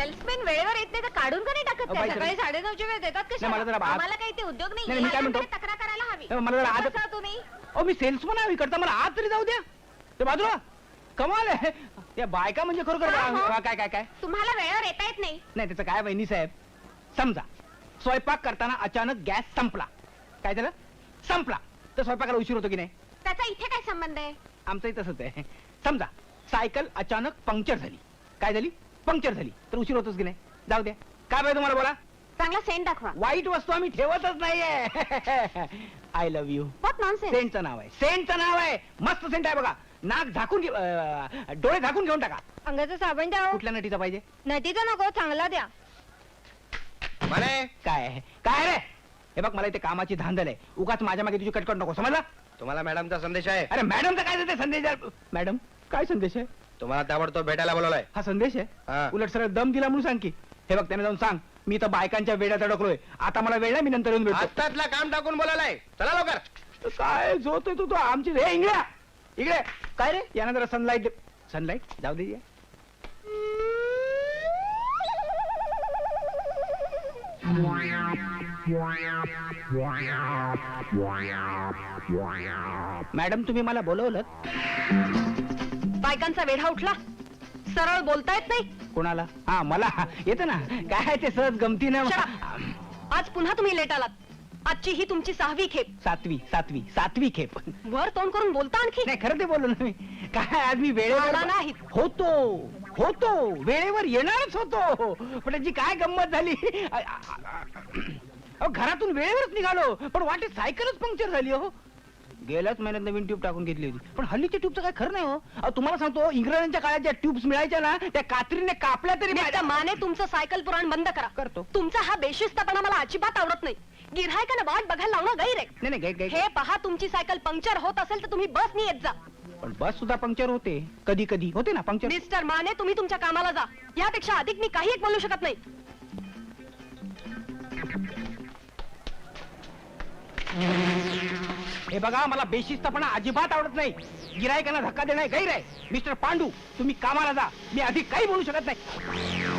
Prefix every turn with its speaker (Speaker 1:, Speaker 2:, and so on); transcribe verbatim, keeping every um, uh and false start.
Speaker 1: Salesman वेळेवर येत नाही तर काढून का नाही टाकत
Speaker 2: अहो,
Speaker 1: त्या?
Speaker 2: बाई,
Speaker 1: सकाळी साडेनऊच्या वेळ देतात
Speaker 2: नाही, मला जरा
Speaker 1: कशा?
Speaker 2: आत-
Speaker 1: आम्हाला काही ते उद्योग नाही.
Speaker 2: नाही, मी काय म्हणतो?
Speaker 1: माझ्याकडे तक्रार करायला हवी.
Speaker 2: नाही, मला जरा आत-
Speaker 1: कसा तुम्ही
Speaker 2: अहो मी सेल्समन आहे इकडचा, मला आत तरी जाऊ द्या. ते बाजूला कमाल आहे. त्या बायका म्हणजे खरोखर
Speaker 1: हा, हा.
Speaker 2: हा, काय काय काय
Speaker 1: तुम्हाला वेळेवर येता येत नाही.
Speaker 2: नाही त्याचं काय वहिनी साहेब, समजा स्वयंपाक करताना अचानक गॅस संपला, काय झालं? संपला तर स्वयंपाकाला उशीर होतो की नाही?
Speaker 1: त्याचा इथे काय संबंध आहे?
Speaker 2: आमचंही तसंच आहे. समजा सायकल अचानक पंक्चर झाली, काय झाली? पंक्चर झाली तर उशीर होतोच की नाही? जाऊ द्या, काय पाहिजे तुम्हाला बोला.
Speaker 1: चांगला सेंट दाखवा.
Speaker 2: वाईट वस्तू आम्ही ठेवतच नाहीये. I love you.
Speaker 1: What nonsense.
Speaker 2: सेंटचं नाव आहे, सेंटचं नाव आहे. मस्त सेंट आहे बघा. नाक झाकून घे- अं, डोळे झाकून घेऊन टाका.
Speaker 1: अंगाचं साबण द्या.
Speaker 2: कुठल्या नटीचा पाहिजे?
Speaker 1: नदीचा नको, चांगला द्या.
Speaker 3: म्हणे
Speaker 2: काय आहे? काय रे? हे बघ मला इथे कामाची धांदल आहे, उगाच माझ्या मागे तुझी कटकट नको, समजला?
Speaker 3: तुम्हाला मॅडमचा संदेश आहे.
Speaker 2: अरे मॅडमचा काय देते संदेश आहे? मॅडम काय संदेश आहे?
Speaker 3: तुम्हाला ताबडतोब भेटायला बोलवलंय.
Speaker 2: हा संदेश
Speaker 3: हा.
Speaker 2: आहे? उलट सरळ दम दिला म्हणून सांग की. हे बघ त्याने जाऊन सांग मी तर बायकांच्या वेड्यात अडकलोय, आता मला वेळ नाही, मी नंतर येऊन भेटतो.
Speaker 3: आत्तातला काम टाकून बोलायलाय. चला लवकर.
Speaker 2: काय झोतोय तू? तो आमची हे इंगळ्या इकडे काय रे? यानं जरा सनलाईट. सनलाईट जाऊ दे. मॅडम तुम्ही मला बोलवलं?
Speaker 1: बायकांचा वेढा उठला, सरळ बोलता येत नाही.
Speaker 2: कोणाला? हा मला येतं ना. काय ते सहज गमतीनं.
Speaker 1: Shut आज पुन्हा तुम्ही लेट आलात. आजची ही तुमची सहावी खेप.
Speaker 2: सातवी सातवी सातवी खेप.
Speaker 1: वर तोंड करून बोलता आणखी.
Speaker 2: नाही खरं ते बोललो ना मी. काय आज मी
Speaker 1: आला
Speaker 2: वेळेवर
Speaker 1: नाही.
Speaker 2: होतो होतो वेळेवर येणारच होतो, पण त्याची काय गंमत झाली. अ- अ- अ- घरातून वेळेवरच निघालो, पण वाटेत सायकलच पंक्चर झाली. हो गेल्याच महिन्यात नवीन ट्यूब टाकून घेतली होती, पण हल्लीच्या ट्यूबचं काय खरं नाही. हो अहो, तुम्हाला सांगतो इंग्रजांच्या काळात ज्या ट्यूब्स मिळायच्या ना त्या कात्रीने कापल्या तरी
Speaker 1: मिस्टर माने तुमचं सायकल पुराण बंद करा.
Speaker 2: करतो.
Speaker 1: तुमचा हा बेशिस्तपणा मला अजिबात आवडत नाही. गिऱ्हाईकांना वाट बघायला लावणं गैर आहे.
Speaker 2: नाही नाही gai- gai-
Speaker 1: हे पहा, तुमची सायकल पंक्चर होत असेल तर तुम्ही बसनी येत जा.
Speaker 2: पण बस सुद्धा पंक्चर होते, कधी कधी होते ना पंक्चर.
Speaker 1: मिस्टर माने तुम्ही तुमच्या कामाला जा. यापेक्षा अधिक मी काही एक बोलू शकत नाही.
Speaker 2: हे बघा मला बेशिस्तपणा अजिबात आवडत नाही. गिरायकांना धक्का देणं गैर आहे. मिस्टर पांडू तुम्ही कामाला जा, मी अधिक काही बोलू शकत नाही.